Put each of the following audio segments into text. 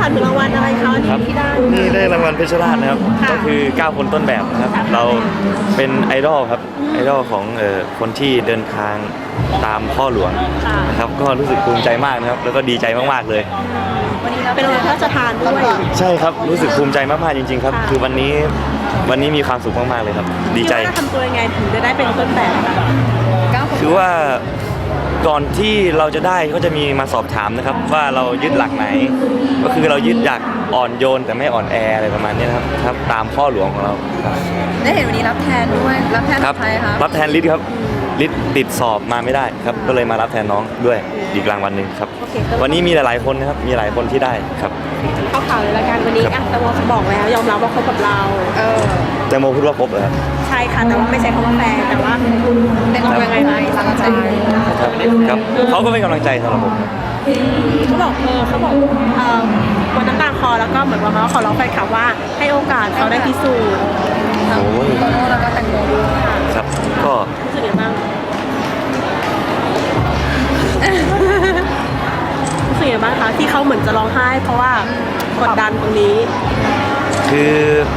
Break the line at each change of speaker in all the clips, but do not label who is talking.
ถามถึงรางวัลอะไรคะที่ได้
นี่ได้รางวัลเพชรราชนะครับก็คือ9คนต้นแบบนะครับเราเป็นไอดอลครับไอดอลของคนที่เดินทางตามพ่อหลวงนะครับก็รู้สึกภูมิใจมากนะครับแล้วก็ดีใจมากๆเลย
เป็นรางวัลพระราชทานด้วย
ใช่ครับรู้สึกภูมิใจมากๆจริงๆครับคือวันนี้มีความสุขมากๆเลยครับดีใจ
ทำตัวยังไงถึงจะได้เป็นต้นแบบ
คือว่าก่อนที่เราจะได้ก็จะมีมาสอบถามนะครับว่าเรายึดหลักไหนก็คือเรายึดหลักอ่อนโยนแต่ไม่อ่อนแออะไรประมาณนี้นะครับตามพ่อหลวงของเรา
ได้เห็นวันนี้รับแทนด้วยรับแทนใครคะ
รับแทนฤทธิ์ครับฤทธิ์ติดสอบมาไม่ได้ครับก็เลยมารับแทนน้องด้วยอีกรางวัลหนึ่งครับวันนี้มีหลายๆคนนะครับมีหลายคนที่ได้ครับ
เข้าข่าวเลยละกันวันนี้แตงโมบอกแล้วยอมรับว่าคบกับเรา
แตงโมพูดว่าคบเหรอครับ
ใช่ค่ะแต่ว่าไม่ใช่คำว่าแฟนแต่ว่าเป็นกำลังใจกำลังใจ
ครับเขาก็เป็นกำลังใจสำหรับผม
เขาบอกวันน้ำตาคอแล้วก็เหมือนว่าเขาขอร้องแฟนคลับว่าให้โอกาสเขาได้พิสูจน์
ทั้งโตโน่แล้วก็แตงโมด้วย
ครับก็
รู้สึกยังไงบ้างรู้สึกยังไงบ้างคะที่เขาเหมือนจะร้องไห้เพราะว่ากดดันตรงนี้
คือ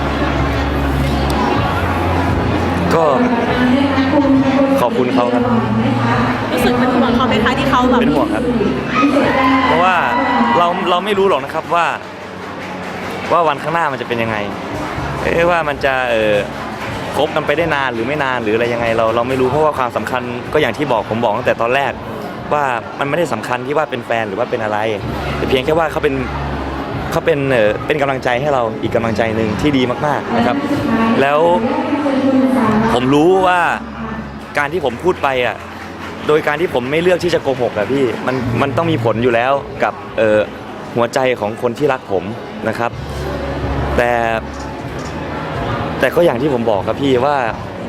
ก็ขอบคุณเขาครับ
รู้สึกเป็นห่วงเขาไหมคะที่เขาแบบ
เป็นห่วงครับเพราะว่าเราไม่รู้หรอกนะครับว่าวันข้างหน้ามันจะเป็นยังไงว่ามันจะคบกันไปได้นานหรือไม่นานหรืออะไรยังไงเราไม่รู้เพราะว่าความสำคัญก็อย่างที่ผมบอกตั้งแต่ตอนแรกว่ามันไม่ได้สำคัญที่ว่าเป็นแฟนหรือว่าเป็นอะไรแต่เพียงแค่ว่าเขาเป็นกำลังใจให้เราอีกกำลังใจหนึ่งที่ดีมากๆนะครับแล้วผมรู้ว่าการที่ผมพูดไปโดยการที่ผมไม่เลือกที่จะโกหกพี่มันต้องมีผลอยู่แล้วกับหัวใจของคนที่รักผมนะครับแต่ก็อย่างที่ผมบอกครับพี่ว่า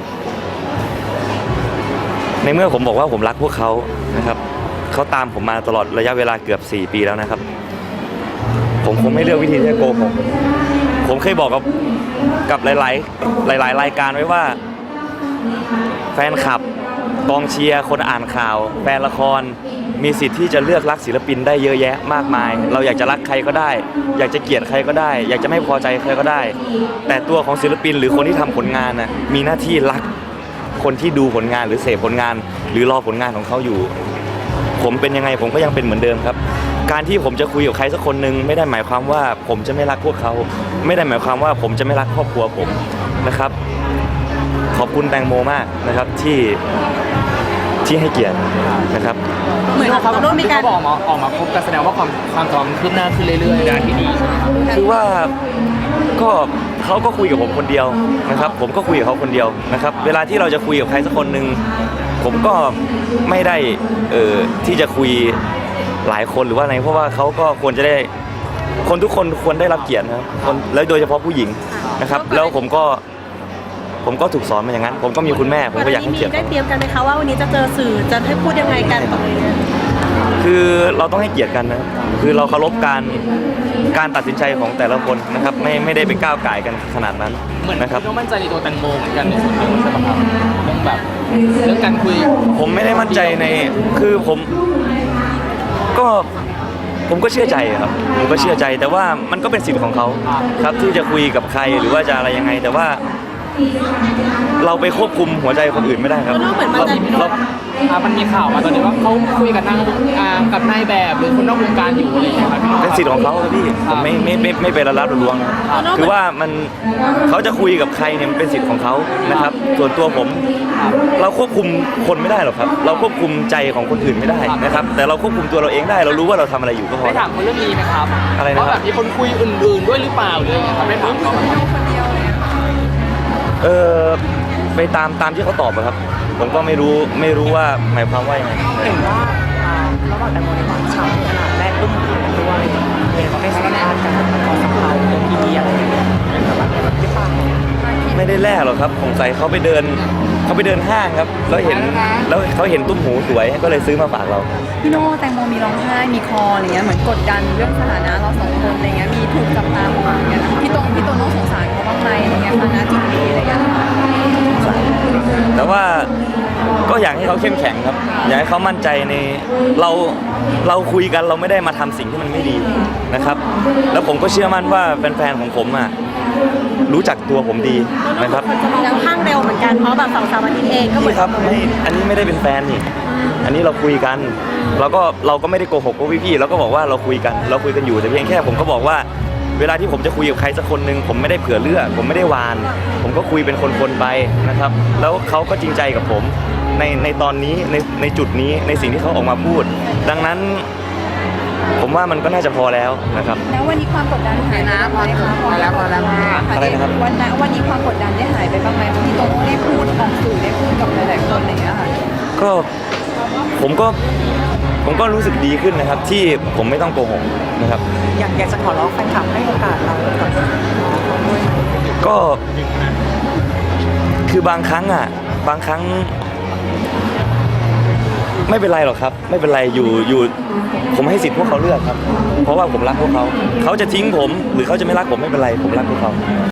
ในเมื่อผมบอกว่าผมรักพวกเขานะครับเขาตามผมมาตลอดระยะเวลาเกือบ4 ปีแล้วนะครับผมคงไม่เลือกวิธีที่จะโกหกผมเคยบอกกับหลายรายการไว้ว่าแฟนคลับกองเชียร์คนอ่านข่าวแฟนละครมีสิทธิ์ที่จะเลือกรักศิลปินได้เยอะแยะมากมายเราอยากจะรักใครก็ได้อยากจะเกลียดใครก็ได้อยากจะไม่พอใจใครก็ได้แต่ตัวของศิลปินหรือคนที่ทำผลงานมีหน้าที่รักคนที่ดูผลงานหรือเสพผลงานหรือรอผลงานของเขาอยู่ผมเป็นยังไงผมก็ยังเป็นเหมือนเดิมครับการที่ผมจะคุยกับใครสักคนหนึ่งไม่ได้หมายความว่าผมจะไม่รักพวกเขาไม่ได้หมายความว่าผมจะไม่รักครอบครัวผมนะครับขอบคุณแตงโมมากนะครับที่ให้เกียรตินะครับ
เหมือนเขาต้องมีการ
ออกมาพบกันแสดงว่าความจำคืบหน้าขึ้นเรื่อยๆด้านที่ดี
คือว่าก็เขาก็คุยกับผมคนเดียวนะครับผมก็คุยกับเขาคนเดียวนะครับเวลาที่เราจะคุยกับใครสักคนหนึ่งผมก็ไม่ได้ที่จะคุยหลายคนหรือว่าอะไรเพราะว่าเขาก็ควรจะได้คนทุกคนควรได้รับเกียรตินะครับแล้วโดยเฉพาะผู้หญิงนะครับแล้วผมก็ถูกสอนมาอย่างนั้นผมก็มีคุณแม่ผมก็อยากให้เกียรติ
ได้เตรียมกันไหมคะว่าวันนี้จะเจอสื่อจะให้พูดยังไงกัน
คือเราต้องให้เกียรติกันนะคือเราเคารพการตัดสินใจของแต่ละคนนะครับไม่ได้ไปก้าวไก่กันขนาดนั้นนะครับ
ต้องมั่นใจในตัวแตงโมเหมือนกันในส่วนนี้ใช่ไหมครับเรื่องแบบเรื่องการคุย
ผมไม่ได้มั่นใจในคือผมก็เชื่อใจครับผมก็เชื่อใจแต่ว่ามันก็เป็นสิทธิ์ของเขาครับที่จะคุยกับใครหรือว่าจะอะไรยังไงแต่ว่าเราไปควบคุมหัวใจคนอื่นไม่ได้ครับ
มันมีข่าวมาตอนนี้ว่าเขาคุยกับนายแบบหรือคนนอกวงการอยู่อะไรอย่างเงี้ยครับ
เป็นสิทธิ์ของเขาครับพี่ผมไม่ไปรับลวงคือว่าเขาจะคุยกับใครเนี่ยมันเป็นสิทธิ์ของเขานะครับส่วนตัวผมเราควบคุมคนไม่ได้หรอกครับเราควบคุมใจของคนอื่นไม่ได้นะครับแต่เราควบคุมตัวเราเองได้เรารู้ว่าเราทำอะไรอยู่ก็พอ
ไม่ถามคนเรื่องนี้ไหมครับ
อะไรนะ
ว่าแบบมีคนคุยอื่นๆด้วยหรือเปล่าหรืออะไรไม่ถามเขา
ไปตามที่เขาตอบครับผมก็ไม่รู้ว่าหมายความว่ายังไง
เห็นว่าระหว่างแตงโมในหวานฉ่ำขนาดแรกตุ้มหูกันด้วยเห็นว่าได้สัมภาษณ์กันตอนสัมภาษณ์ตัวพีอะไรอย่างเงี้ย
ไม่ได้แลกหรอกครับผมใส่เขาไปเดินห้างครับแล้วเขาเห็นตุ้มหูสวยก็เลยซื้อมาฝากเรา
พี่โน่แตงโมมีร้องไห้มีคออะไรเงี้ยเหมือนกดดันเรื่องสถานะเราสองคนอะไรเงี้ยมีถูกจับตามองอย่างเงี้ยพี่โตโน่สงสารเขาบ้างไหมอะไรเงี้ยฐานะจุดนี้อะไรเงี้ย
เขสารแต่ว่าก็อยากให้เขาเข้มแข็งครับอยากให้เขามั่นใจในเราคุยกันเราไม่ได้มาทำสิ่งที่มันไม่ดีนะครับ แล้วผมก็เชื่อมั่นว่าแฟนๆของผมรู้จักตัวผมดีนะครับ
คนจะมองค่อนข้างเร็วเหมือนกันเพราะแบบ2-3 อาทิตย์เองก็เหมือ
นี่
น
ครับไม่อันนี้ไม่ได้เป็นแฟนนี่อันนี้เราคุยกันเราก็ไม่ได้โกหกพวกพี่ๆเราก็บอกว่าเราคุยกันอยู่แต่เพียงแค่ผมก็บอกว่าเวลาที่ผมจะคุยกับใครสักคนหนึ่งผมไม่ได้เผื่อเลือกผมไม่ได้วาน ผมก็คุยเป็นคนๆไปนะครับ แล้วเขาก็จริงใจกับผมในตอนนี้ในจุดนี้ในสิ่งที่เขาออกมาพูด ดังนั้นผมว่ามันก็น่าจะพอแล้วนะครับ
แล้ววันนี้ความกดดันหายนะพอแล้วพอแล้ว
อะไรนะครับ
วันนี้ความกดดันได้หายไปบ้างไหมที่โตโน่ได้พูดออกสื่อได้พูดกับหลายๆคนอะไรอย่างเงี้ยค่ะ
ก็ผมก็รู้สึกดีขึ้นนะครับ ที่ผมไม่ต้องโกหกนะครับ
อยากจะขอร้องแฟนคลับให้โอกาสเราก่อน
ก็คือบางครั้งไม่เป็นไรหรอกครับ ไม่เป็นไรอยู่ผมให้สิทธิ์พวกเขาเลือกครับ เพราะว่าผมรักพวกเขาจะทิ้งผมหรือเขาจะไม่รักผมไม่เป็นไรผมรักพวกเขา